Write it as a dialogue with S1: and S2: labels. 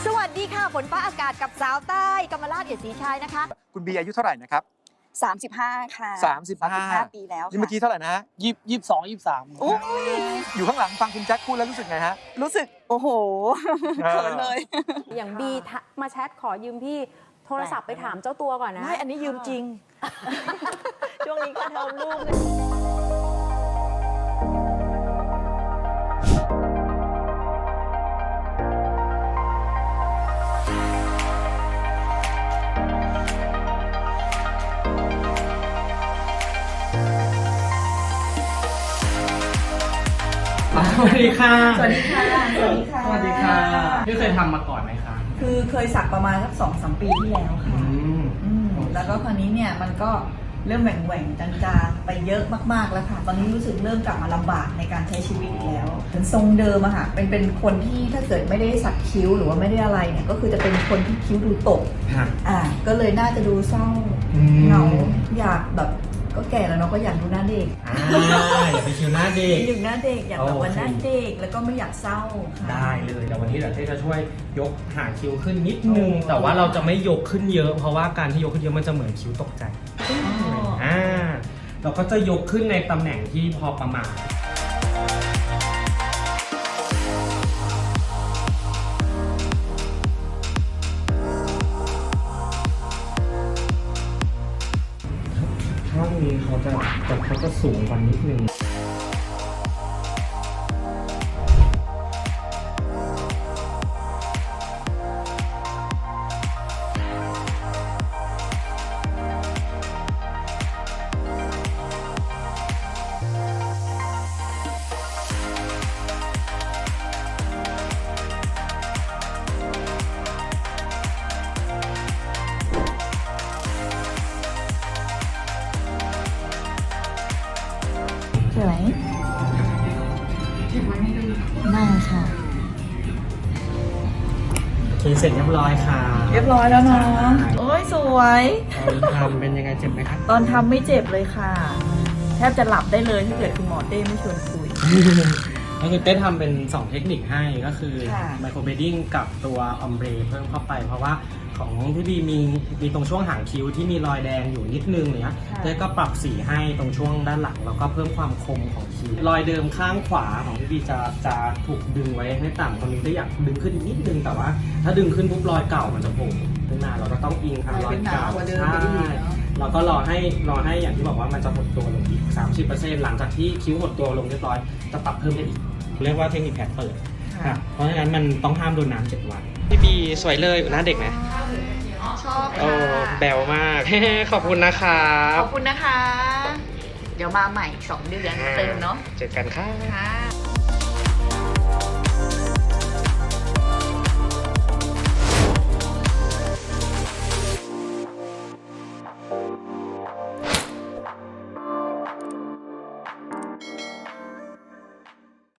S1: สวัสดีค่ะฝนฟ้าอากาศกับสาวใต้กำมลาศเอียดศรีชัยนะคะ
S2: คุณบีอายุเท่าไหร่นะครับ
S3: 35ค่ะ
S2: 35
S3: ปีแล้ว
S2: นี่เมื่อกี้เท่าไหร่นะฮะ
S4: 22 23
S3: โอ้ย
S2: อยู่ข้างหลังฟังคุณแจ็คพูดแล้วรู้สึกไงฮะ
S3: รู้สึกโอ้โหเขินเลย
S5: อย่างบีมาแชทขอยืมพี่โทรศัพท์ไปถามเจ้าตัวก่อนนะ
S3: ไม่อันนี้ยืมจริง
S5: ช่วงนี้ก็เทอมลูก
S4: สวัสดีค่ะ
S3: สวัสดีค่ะ สวัสดีค่ะ
S4: สวัสดีค่ะพี่เคยทำมาก่อนไหมคะ
S3: คือเคยสักประมาณสัก2-3 ปีที่แล้วค่ะแล้วก็คราวนี้เนี่ยมันก็เริ่มแหว่งๆจางๆไปเยอะมากๆแล้วค่ะ ตอนนี้รู้สึกเริ่มกลับมาลำบากในการใช้ชีวิตอีกแล้วเป็นทรงเดิมอะค่ะเป็นคนที่ถ้าเกิดไม่ได้สักคิ้วหรือว่าไม่ได้อะไรเนี่ยก็คือจะเป็นคนที่คิ้วดูตกก็เลยน่าจะดูเศร้าเหงาอยากแบบก็แก่แล้วเนาะก็อยากดูหน้าเด็ก
S4: อยากไปคิวหน้าเด็ก
S3: อยากหน้าเด็กอยากแบบวันหน้าเด็กแล้วก็ไม่อยากเศร้าค่ะ
S4: ได้เลยแต่วันนี้เดี๋ยวเต้จะช่วยยกหางคิ้วขึ้นนิดนึงแต่ว่าเราจะไม่ยกขึ้นเยอะเพราะว่าการที่ยกขึ้นเยอะมันจะเหมือนคิ้วตกใจเราก็จะยกขึ้นในตำแหน่งที่พอประมาณข้างนี้เขาจะสูงกว่านิดนึง
S3: สวยน่าค่ะ
S4: โอเคเสร็จเรียบร้อยค่ะ
S3: เรียบร้อยแล้วเนาะโอ้ยสวย
S4: ตอนทำเป็นยังไงเจ็บไหมครับ
S3: ตอนทำไม่เจ็บเลยค่ะ แทบจะหลับได้เลยถ้าเกิดคุณหมอเต้ไม่ชวนคุย
S4: ก็คือเต้ทำเป็น 2 เทคนิคให้ก็คือ
S3: ค่ะ
S4: ไมโครเบดดิ้งกับตัวออมเบรเพิ่มเข้าไปเพราะว่าของพี่บีมีตรงช่วงหางคิ้วที่มีรอยแดงอยู่นิดนึงเนี้ยเต้ก็ปรับสีให้ตรงช่วงด้านหลังแล้วก็เพิ่มความคมของคิ้วรอยเดิมข้างขวาของพี่บีจะถูกดึงไว้ให้ต่ำตรงนี้ได้อยากดึงขึ้นนิดนึงแต่ว่าถ้าดึงขึ้นปุ๊บรอยเก่ามันจะโผล่ขึ้นมาเราก็ต้องอิงทางรอยเก่าใช่เราก็รอให้อย่างที่บอกว่ามันจะหดตัวลงอีก 30% หลังจากที่คิ้วหดตัวลงเรียบร้อยจะปรับเพิ่มได้อีกเรียกว่าเทคนิคแผลเปิดเพราะฉะนั้นมันต้องห้ามโดนน้ำ7 วันพี่บีสวยเลยหน้าเด็กไหม
S3: ชอบ
S4: โอ้
S3: ค่ะ
S4: แบวมาก ขอบคุณนะครับ
S3: ขอบคุณนะคะ เดี๋ยวมาใหม่2 เดือนเติมเนาะ
S4: เจอกันค่ะ
S3: ค่ะ